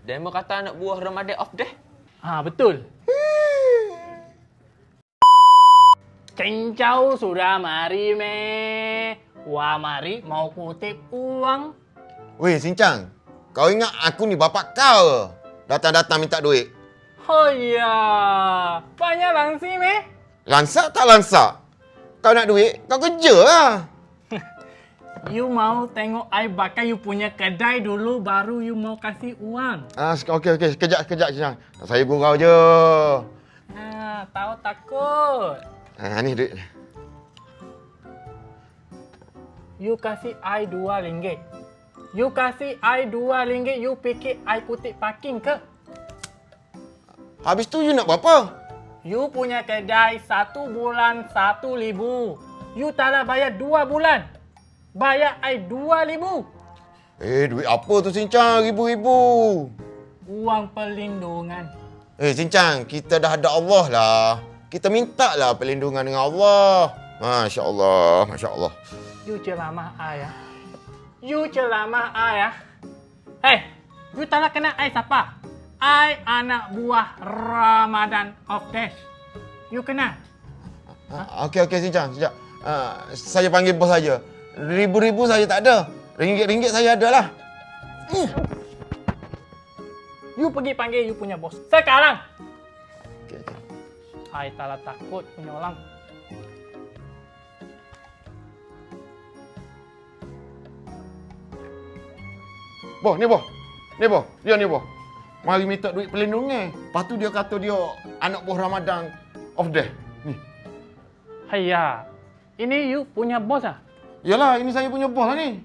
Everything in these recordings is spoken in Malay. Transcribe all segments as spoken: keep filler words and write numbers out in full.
Demo kata anak buah Ramadan off deh. Ha, betul. Cincau sudah mari meh. Wah mari mau kutip uang. Weh, Sincang. Kau ingat aku ni bapak kau datang-datang minta duit? Oh ya, banyak langsi meh. Lansak tak lansak? Kau nak duit, kau kerja lah. You mau tengok I bakar you punya kedai dulu baru you mau kasih uang. Ah, okey okey, sekejap sekejap Sincang. Saya gurau je. Ha, tahu takut. Ah, ni duit. You kasih I dua ringgit. You kasih I dua ringgit, you fikir I kutip parking ke? Habis tu you nak berapa? You punya kedai satu bulan satu ribu. You tak nak bayar dua bulan. Bayar I dua ribu. Eh, duit apa tu Sincang? Ribu-ribu. Uang perlindungan. Eh, Sincang, kita dah ada Allah lah. Kita minta lah perlindungan dengan Allah. Masya Allah, Masya Allah. You ceramah I ya. You ceramah I ya. Hey, you tak nak kenal I siapa? I anak buah Ramadan of Dash. You kenal? Ha? Okey, okey, Sincang. Sekejap. Uh, saya panggil bos saja. Ribu-ribu saya tak ada. Ringgit-ringgit saya ada lah. Uh. You pergi panggil you punya bos. Sekarang. Okey, okey. I tak takut punya orang. Boh, ni boh. Ni boh. Dia ni boh. Mari minta duit perlindungan. Lepas tu dia kata dia anak buah Ramadan of death. Ni. Hayya. Ini you punya bos ah? Yalah, ini saya punya bos lah ni.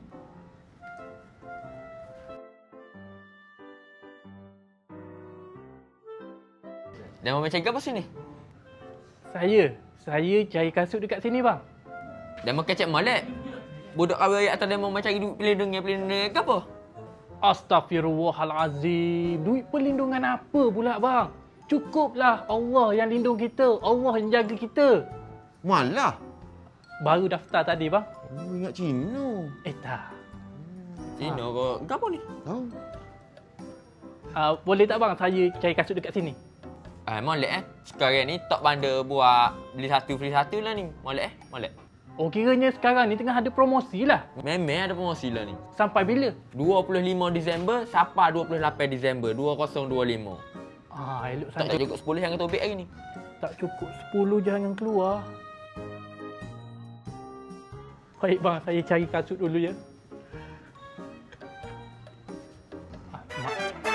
Demo macam apa sini? Saya. Saya cari kasut dekat sini bang. Demo kecek molek. Budak kau ayat atas demo macam duit pelindungan-pelindungan ke apa? Astaghfirullahalazim. Duit perlindungan apa pula bang? Cukuplah Allah yang lindung kita. Allah yang jaga kita. Malah. Baru daftar tadi bang. Oh, ingat Cina. Eh tak. Cina ke? Ke apa ni? Tahu. Uh, boleh tak bang saya cari kasut dekat sini? Ah, molek eh. Sekarang ni tak bandar buat beli satu free satu lah ni. Molek eh? Molek. Oh kiranya sekarang ni tengah ada promosi lah. Memang ada promosi lah ni. Sampai bila? dua puluh lima Disember sampai dua puluh lapan Disember dua ribu dua puluh lima. Ah, elok Tak tak sangat. cukup sepuluh yang kita ubik hari ni. Tak cukup sepuluh jangan keluar. Baik bang, saya cari kasut dulu ya. Ah, mak.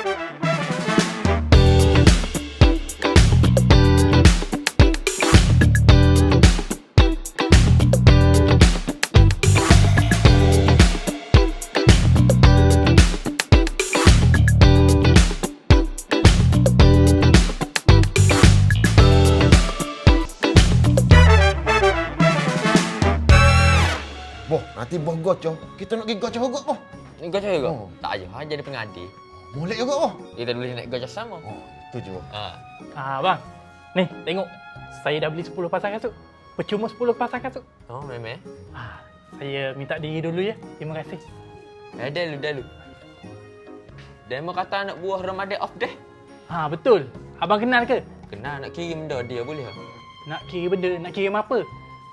Boh, nanti boh gocoh. Kita nak pergi gocoh juga, boh. Ni gocah juga? Oh. Tak je, ha, jadi pengadil. Molek juga, boh. Kita boleh nak gocah sama. Oh, itu je, boh. Ha. Ah bang, ni tengok. Saya dah beli sepuluh pasang kasut. Percuma sepuluh pasang kasut. Oh, memang. Ah, saya minta diri dulu ya. Terima kasih. Eh, dah lu, dah lu. Demo kata anak buah Ramadan off deh. Ha, betul. Abang kenal ke? Kenal nak kirim benda dia boleh tak? Nak kira benda, nak kirim apa?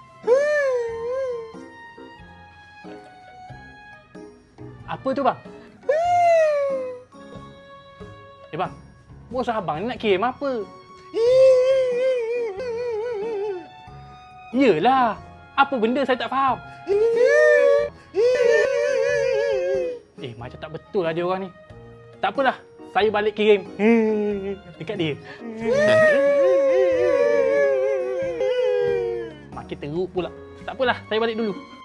Apa tu bang? Eh bang, bos abang ni nak kirim apa? Yelah, apa benda saya tak faham. Eh, macam tak betul lah dia orang ni. Tak apalah, saya balik kirim dekat dia. Makin teruk pula. Tak apalah, saya balik dulu.